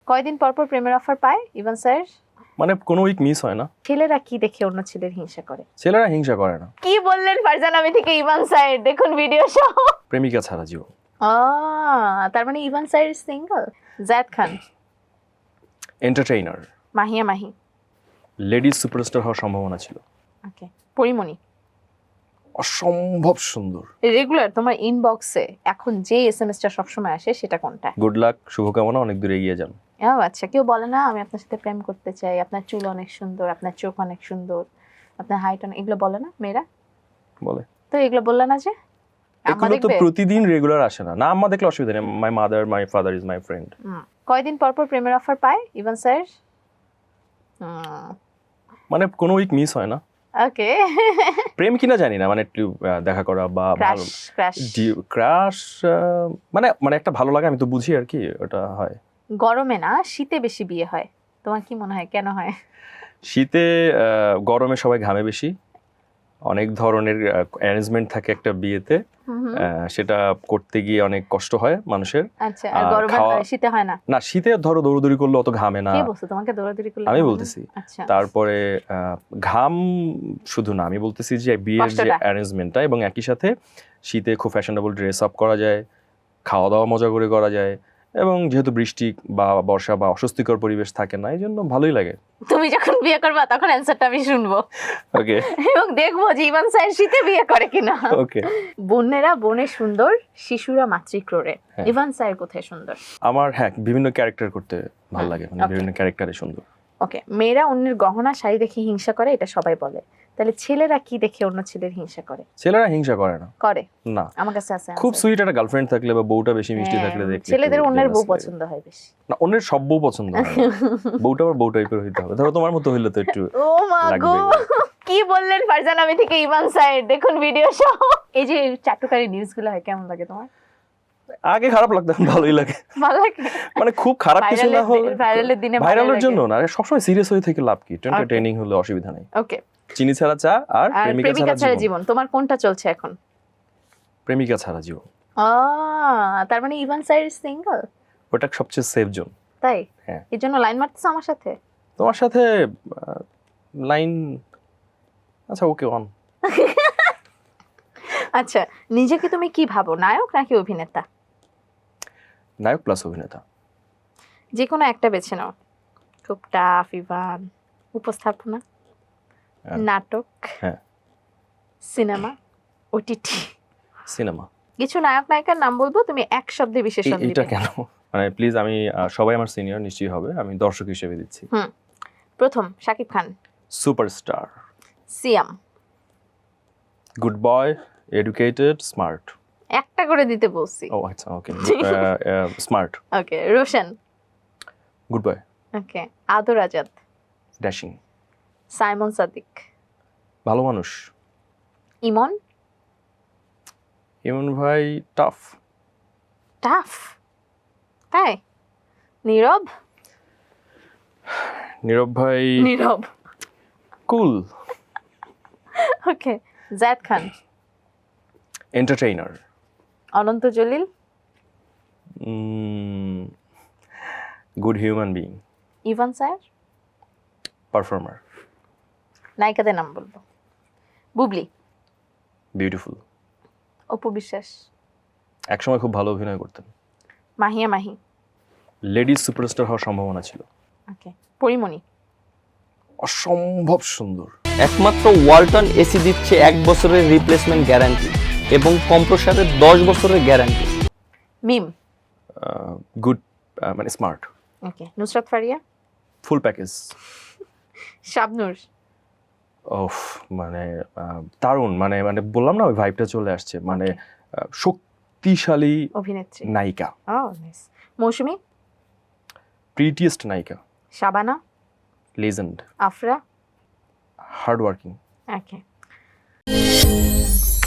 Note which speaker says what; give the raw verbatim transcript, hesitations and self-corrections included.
Speaker 1: কয়দিন পর পর প্রেমের অফার পায় ইভান স্যার?
Speaker 2: মানে কোনো উইক মিস হয় না।
Speaker 1: ছেলেরা কি দেখে অন্য ছেলের হিংসা করে?
Speaker 2: ছেলেরা হিংসা করে না।
Speaker 1: কি বললেন ফারজানা আমি থেকে ইভান স্যার, দেখুন ভিডিও সহ।
Speaker 2: প্রেমিকা ছাড়া জীবন।
Speaker 1: ও তার মানে Evan sir single. Zayed Khan
Speaker 2: entertainer.
Speaker 1: Mahiya Mahi
Speaker 2: ladies superstar হওয়ার সম্ভাবনা ছিল।
Speaker 1: ওকে। পরিমণি
Speaker 2: অসম্ভব সুন্দর।
Speaker 1: রেগুলার তোমার ইনবক্সে এখন যে এসএমএসটা সবসময় আসে সেটা কোনটা?
Speaker 2: গুড লাক, শুভকামনা, অনেক দূরে এগিয়ে যান।
Speaker 1: ও আচ্ছা, কেউ বলে না আমি আপনার সাথে প্রেম করতে চাই, আপনার চুল অনেক সুন্দর, আপনার চোখ অনেক সুন্দর, আপনার হাইট অনেক, এগুলো বলে না মেয়েরা?
Speaker 2: বলে
Speaker 1: তো এগুলো বললে না যে
Speaker 2: এগুলো তো প্রতিদিন রেগুলার আসে না। না আম্মা দেখলে অসুবিধা নেই। My mother my father is my friend.
Speaker 1: কয়দিন পর পর প্রেমের অফার পায় ইভান স্যার?
Speaker 2: মানে কোনো উইক মিস হয় না।
Speaker 1: ওকে।
Speaker 2: প্রেম কিনা জানি না, মানে একটু দেখা করা বা
Speaker 1: ক্রাশ ক্রাশ
Speaker 2: ক্রাশ মানে মানে একটা ভালো লাগে, আমি তো বুঝি আর কি, ওটা হয়।
Speaker 1: গরমে না শীতে বেশি বিয়ে হয়, তোমার কি মনে হয় কেন হয়?
Speaker 2: শীতে গরমে সবাই ঘামে বেশি, অনেক ধরনের অ্যারেঞ্জমেন্ট থাকে একটা বিয়েতে, সেটা করতে গিয়ে অনেক কষ্ট হয় মানুষের।
Speaker 1: আচ্ছা, আর গরমে শীতে হয় না?
Speaker 2: না, শীতে ধরো দৌড়দৌড়ি করলে অত ঘামে না।
Speaker 1: কে বলছে তোমাকে দৌড়দৌড়ি করলে?
Speaker 2: আমি বলতেছি।
Speaker 1: আচ্ছা,
Speaker 2: তারপরে ঘাম শুধু না, আমি বলতেছি যে বিয়ের যে অ্যারেঞ্জমেন্টটা, এবং একই সাথে শীতে খুব ফ্যাশনেবল ড্রেস আপ করা যায়, খাওয়া দাওয়া মজা করে করা যায়, এবং যেহেতু বৃষ্টি বা বর্ষা বা অস্বস্তিকর পরিবেশ থাকে না, এই জন্য ভালোই লাগে।
Speaker 1: তুমি যখন বিয়ে করবা তখন অ্যানসারটা আমি শুনবো।
Speaker 2: ওকে।
Speaker 1: এবং দেখবো যে ইভান স্যার শীতে বিয়ে করে কিনা।
Speaker 2: ওকে।
Speaker 1: বোনেরা বনে সুন্দর, শিশুরা মাতৃক্রোড়ে। ইভান স্যার কোথায় সুন্দর?
Speaker 2: আমার হ্যাঁ বিভিন্ন ক্যারেক্টার করতে ভালো লাগে, মানে বিভিন্ন ক্যারেক্টারে সুন্দর।
Speaker 1: ওকে। মেয়েরা অন্যের গহনা শাড়ি দেখে হিংসা করে, এটা সবাই বলে, তাহলে ছেলেরা কি দেখে অন্য ছেলের হিংসা করে?
Speaker 2: ছেলেরা হিংসা করে না।
Speaker 1: করে
Speaker 2: না,
Speaker 1: আমার কাছে আছে।
Speaker 2: খুব সুইট একটা গার্লফ্রেন্ড থাকলে বা বউটা বেশি মিষ্টি থাকলে দেখতে
Speaker 1: ছেলেদের অন্যের বউ পছন্দ হয় বেশি।
Speaker 2: না, অন্যের সব বউ পছন্দ হয় না। বউটা আবার বউ টাইপের হইতে হবে, ধরো তোমার মতো হইলে তো একটু
Speaker 1: ও মা গো, কি বললেন ফারজানা আমি থেকে ইভান স্যার, দেখুন ভিডিও সহ। এই যে চাটুকারি নিউজগুলো হয় কেমন লাগে তোমার?
Speaker 2: আগে খারাপ লাগতো, ভালোই লাগে।
Speaker 1: ভালো লাগে
Speaker 2: মানে খুব খারাপ কিছু না হলে
Speaker 1: ভাইরালের দিনে
Speaker 2: ভাইরালের জন্য না, সবসময় সিরিয়াস হয়ে থেকে লাভ কি? এন্টারটেইনিং হলে অসুবিধা নাই।
Speaker 1: ওকে।
Speaker 2: চিনি ছাড়া চা আর প্রেমিকা ছাড়া
Speaker 1: জীবন, তোমার কোনটা চলছে এখন?
Speaker 2: প্রেমিকা ছাড়া জীবন।
Speaker 1: ও তার মানে ইভান স্যার সিঙ্গেল।
Speaker 2: ওটা সবচেয়ে সেফ জোন।
Speaker 1: তাই?
Speaker 2: হ্যাঁ।
Speaker 1: এর জন্য লাইন মারতেছ আমার সাথে?
Speaker 2: তোমার সাথে লাইন, আচ্ছা ওকে অন।
Speaker 1: আচ্ছা, নিজেকে তুমি কি ভাবো, নায়ক নাকি অভিনেতা?
Speaker 2: নায়ক প্লাস অভিনেতা।
Speaker 1: যে কোনো একটা বেছে নাও। খুব টাফ ইভান। উপস্থাপনা, নাটক,
Speaker 2: হ্যাঁ,
Speaker 1: সিনেমা, ওটিটি?
Speaker 2: সিনেমা।
Speaker 1: কিছু নায়ক নায়িকার নাম বলবো, তুমি এক শব্দে বিশেষণ দিবে।
Speaker 2: এটা কেন? মানে প্লিজ, আমি সবাই আমার সিনিয়র নিশ্চয়ই হবে, আমি দর্শক হিসেবে দিচ্ছি।
Speaker 1: হুম। প্রথম Shakib Khan.
Speaker 2: Superstar.
Speaker 1: Siam.
Speaker 2: Good boy, educated, smart.
Speaker 1: একটা করে দিতে বলছি।
Speaker 2: ও আচ্ছা, okay. Smart.
Speaker 1: Okay. Roshan.
Speaker 2: Good boy.
Speaker 1: Okay. Adar Azad.
Speaker 2: Dashing.
Speaker 1: Simon Sadiq.
Speaker 2: ভালো মানুষ।
Speaker 1: ইমন।
Speaker 2: ইমন ভাই টাফ।
Speaker 1: টাফ? তাই? নীরব।
Speaker 2: নীরব ভাই
Speaker 1: Nirob
Speaker 2: cool.
Speaker 1: Okay. Zayed Khan.
Speaker 2: Entertainer.
Speaker 1: Ananta Jalil.
Speaker 2: Good human being.
Speaker 1: Evan sir.
Speaker 2: Performer.
Speaker 1: নায়িকাদের নাম বলবো। বুবলি।
Speaker 2: বিউটিফুল।
Speaker 1: অপু বিশ্বাস।
Speaker 2: একসময় খুব ভালো অভিনয় করতেন।
Speaker 1: মাহিয়া মাহি।
Speaker 2: লেডিজ সুপারস্টার হওয়ার সম্ভাবনা ছিল।
Speaker 1: ওকে। পরিমণি।
Speaker 2: অসম্ভব সুন্দর।
Speaker 3: একমাত্র ওয়ালটন এসি দিচ্ছে এক বছরের রিপ্লেসমেন্ট গ্যারান্টি এবং কম্প্রেসারের দশ বছরের গ্যারান্টি।
Speaker 1: মিম।
Speaker 2: গুড, মানে smart.
Speaker 1: Okay. Nusrat Faria.
Speaker 2: Full package.
Speaker 1: Shabnur.
Speaker 2: ওফ, মানে দারুণ, মানে মানে বললাম না, ওই ভাইবটা চলে আসছে, মানে শক্তিশালী
Speaker 1: অভিনেত্রী,
Speaker 2: নায়িকা।
Speaker 1: ও নাইস। মৌসুমী।
Speaker 2: প্রিটিয়েস্ট নায়িকা।
Speaker 1: Shabana.
Speaker 2: Legend.
Speaker 1: Afra.
Speaker 2: Hard working.
Speaker 1: ওকে।